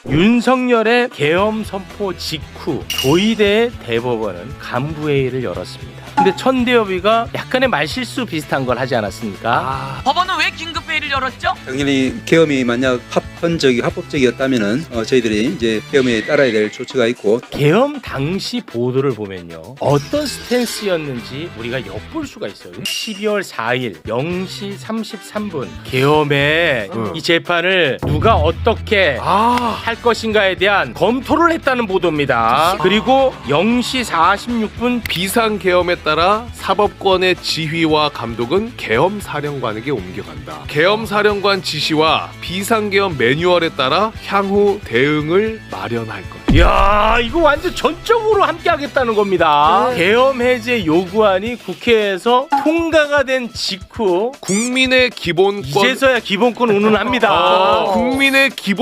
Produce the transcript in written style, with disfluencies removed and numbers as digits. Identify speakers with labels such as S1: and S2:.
S1: 윤석열의 계엄 선포 직후 조희대 대법원은 간부회의를 열었습니다. 근데 천대엽이가 약간의 말실수 비슷한 걸 하지 않았습니까?
S2: 법원은 왜 긴급회의를 열었죠?
S3: 당연히 계엄이 만약 합법적이었다면은 저희들이 이제 계엄에 따라야 될 조치가 있고
S1: 계엄 당시 보도를 보면요, 어떤 스탠스였는지 우리가 엿볼 수가 있어요. 12월 4일 0시 33분 계엄에 이 재판을 누가 어떻게 할 것인가에 대한 검토를 했다는 보도입니다. 그리고 0시 46분
S4: 비상계엄에 따라 사법권의 지휘와 감독은 계엄사령관에게 옮겨간다. 계엄사령관 지시와 비상계엄 매뉴얼에 따라 향후 대응을 마련할 것.
S1: 이야, 이거 완전 전적으로 함께 하겠다는 겁니다. 계엄 해제 요구안이 국회에서 통과가 된 직후
S4: 국민의 기본권
S1: 이제서야 기본권 운운합니다.
S4: 국민의 기본